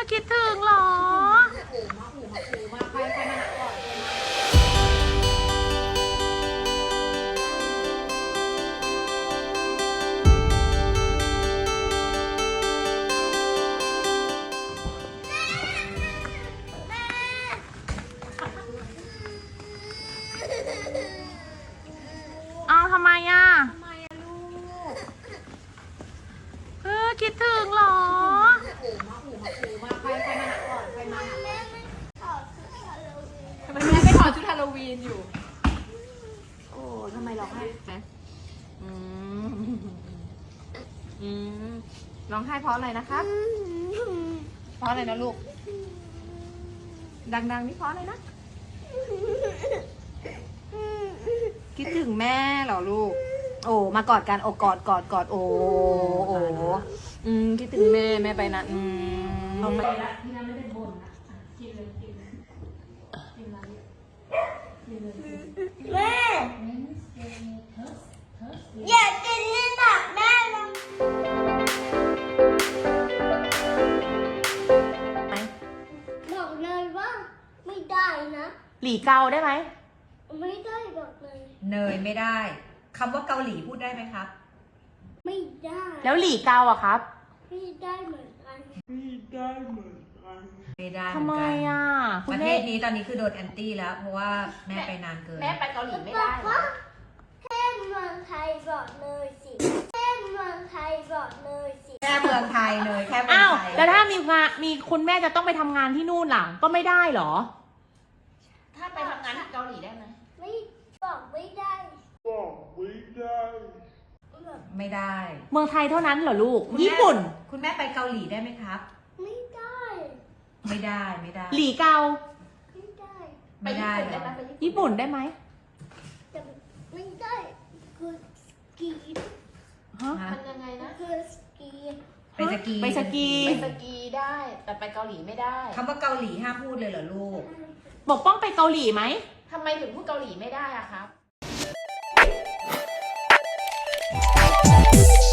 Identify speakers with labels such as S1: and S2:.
S1: คิดถึงเหรอเอาทำไมอ่ะคิดถึงเหรอ
S2: ทำไมแม่ไม่ถอดชุดฮาโลวีนอยู่โอ้ทำไมร้องไห้นะร้องไห้เพราะอะไรนะครับเพราะอะไรนะลูกดังๆนี่เพราะอะไรนะคิดถึงแม่เหรอลูกโอ้มากอดกันโอ้กอดโอ้คิดถึงแม่ไปนะเอาไปละที่นั่นไม่ได้บ่นนะกินเลย
S3: แม่อยากกินนี่ตักแม่นะบอกเลยว่าไม่ได้นะ
S1: หลี่เกาได้ไหม
S3: ไม่ได้บอกเลย
S4: เนยไม่ได้คำว่าเกาหลีพูดได้ไหมครับ
S3: ไม่ได้
S1: แล้วหลี่เกาอะครับ
S3: ไม่ได้เหมือนกัน
S4: ไม่ได้เห
S1: ทำ
S4: มื
S1: ไม
S4: อนกัน
S1: อ่ะ
S4: ป
S1: คุณ
S4: ระเท
S1: แม่
S4: ศนี้ตอนนี้คือโดนแอนตี้แล้ว เพราะว่าแม่ไปนานเกิน
S2: แม่ไปเกาหลีไม่ได้
S3: ว่าแค่เมืองไทยบอกเลยสิแค่เมืองไทยบอกเลยสิ
S4: แค่เมืองไทยเลยแค่เมือง
S1: อ้าว
S4: ไทย
S1: แล้วถ้ามีคุณแม่จะต้องไปทำงานที่นู่นหลังก็ไม่ได้เหรอ
S2: ถ้าไปทำงานที่เกาหลีได้ไหม
S3: ไม่บอกไม่ได้แบบ
S4: ไม่ได้
S1: เมืองไทยเท่านั้นเหรอลูก
S4: คุณแม่
S1: ญี่ปุ่น
S4: คุณแม่ไปเกาหลีได้ไหมครับ
S3: ไม่ได้
S4: ไม่ได้
S1: หลี่เกา
S3: ไม่ได้
S4: ไม่ได้
S2: ไป
S4: เหร
S2: ญี่ปุ่นได้
S4: อ
S2: ไหม
S1: ญี่ปุ่นได้ไหม
S3: แต่ไม่ได้คือสกี
S1: ฮะ
S4: ฮะ
S2: มันยังไงนะ
S3: คือสกี
S4: ไปสกี
S1: ไปสกี
S2: ไปสกีได้ แต่ไปเกาหลีไม่ได้
S4: คำว่าเกาหลีห้ามพูดเลยเหรอลูก
S1: ปกป้องไปเกาหลีไหม
S2: ทำไมถึงพูดเกาหลีไม่ได้อะครับ